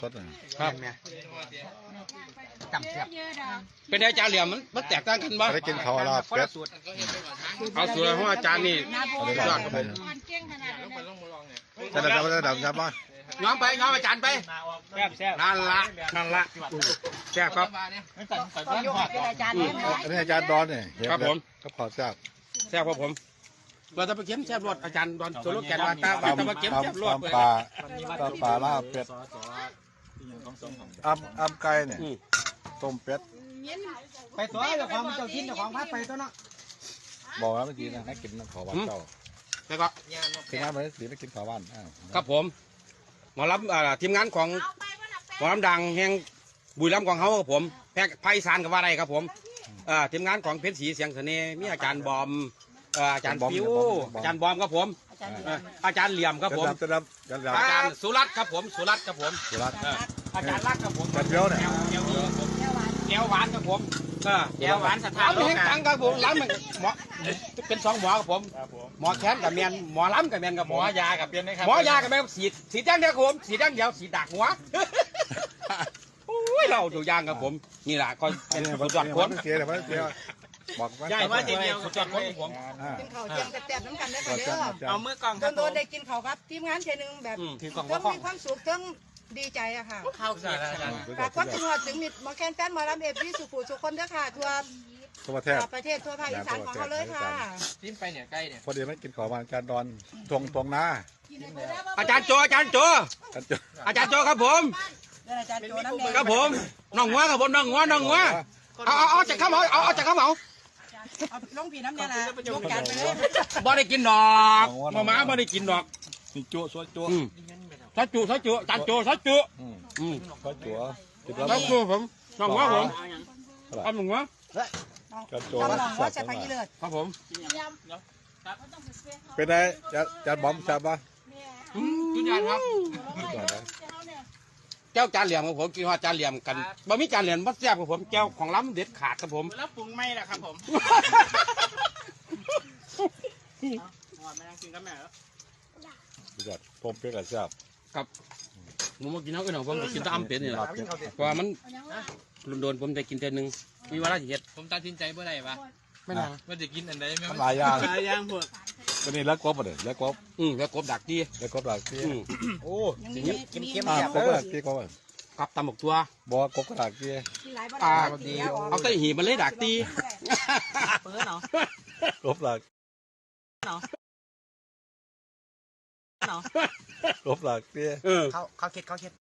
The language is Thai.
สดๆครับจำเสียบเป็นอาจารย์เหลี่ยมมันแตกต่างกันบ่ได้กินข้าวลาบเป็ดเอาสูตรของอาจารย์นี่เอาได้ยอลาดบครับไปผมจะได้ดำครับบ้างย้อมไปย้อมอาจารย์ไปแซ่บนั่นละแซ่บครับก็ยกให้เป็นอาจารย์เนี่ยนะอันนี้อาจารย์ดอนเนี่ยครับผมก็พอทราบแซ่บครับผมเราจะไปเก็บแซ่บรสอาจารย์ดอนโซโลแกนว่าตาจะมาเก็บแซ่บรสตำปลาลาบเป็ดอ้ำไก่เนี่ยต้มเป็ดไปตัวเจ้าของเจ้าทินเจ้าของพัดไปตัวเนาะบอกแล้วเมื่อกี้นะให้กินขอบ้านเจ้าแล้วก็กินน้ำเลยสีไม่กินขอบ้านครับผมหมอลำทีมงานของหมอลำดังแห่งบุรีรัมย์ของเขาครับผมแพร่ไพศาลกับว่าไรครับผมทีมงานของเพชรศรีเสียงเสน่ห์มีอาจารย์บอมอาจารย์ฟิวอาจารย์บอมครับผมอาจารย์เหลี่ยมครับผมจะรับอาจารย์สุรัตน์ครับผมสุรัตน์ครับผมสุรัตอาจารย์รักครับผมจัดเดียวเนี่ยแก้วหวานครับผมแก้วหวานสถานแห่งตังครับผมล้ำมันหมอเป็นสองหมอครับผมหมอแขนกับเมียนหมอล้ำกับเมียนกับหมอยากับเมียนนะครับหมอยากับเมียนสีแดงเดียวครับผมสีแดงเดียวสีดักหัวโอ้ยเราดูยางครับผมนี่แหละก็เป็นสุดยอดคนเสียแต่ว่าเสียบอกว่าใช่ว่าเดียวสุดยอดคนของผมกินข้าวเจียงแซ่บๆน้ำกันได้ค่ะเด้อเอามือกล่องครับโดนๆได้กินข้าวครับทีมงานเจนึงแบบทั้งมีความสุขทั้งดีใจอะค่ะเข้าเสียฝากความถึงหัวถึงมิดหมอแคนแฟนหมอลำเอฟซีสุขุสุขคนเด้อค่ะทั่วทั่วประเทศประเทศทั่วภาคอีสานของเขาเลยค่ะจิ้มไปเนี่ยใกล้เนี่ยพอดีไม่กินขอบ้านอาจารย์ดอนทวงนาอาจารย์โจอาจารย์โจ อาจารย์โจครับผมอาจารย์โจน้ำแดงครับผมน้องหัวครับผมน้องหัวเอาจากข้าวเหมาเอาจากข้าวเหมาลงผีน้ำแดงนะยกจานไปเลยบ่ได้กินดอกมาม่าบ่ได้กินดอกนี่จั่วซอยจั่วซอจุจานโจซอจุซอยจั่วจุดแล้วซอจุผมน้องหัวผมเอาหนึ่งหัวจัดจั่วจำลองว่าจะพักยี่เลือดครับผมเป็นไงจัดบอมจับปะจุดยานครับแก้วจานเหลี่ยมครับผมกินว่าจานเหลี่ยมกันบะมีจานเหลี่ยมบัดแซ่บครับผมแก้วของล้ำเด็ดขาดครับผมแล้วปรุงไม่ล่ะครับผมไม่ต้องกินกับแม่แล้วจัดต้มเป็ดกับแซ่บครับผมมากินน้ำอื่นของผมกินแตะอ้ำเป็ดนี่แหละเพราะว่ามันโดนผมได้กินแต่หนึ่งมีเวลาสิเฮ็ดผมตัดสินใจเมื่อไหร่ปะไม่นานว่าจะกินอันใดไม่มันหลายอย่างย่างพวกก็นี่แล้วกบเลยแล้วกบแล้วกบดักดีแล้วกบหลายที่โอ้เค็มกบหลายที่กบกับตำหมกตัวบอกกบหลายที่เอาใส่หีบมันเลยดักตีเปิดเนาะกบหลายกบหลายที่เขาคิด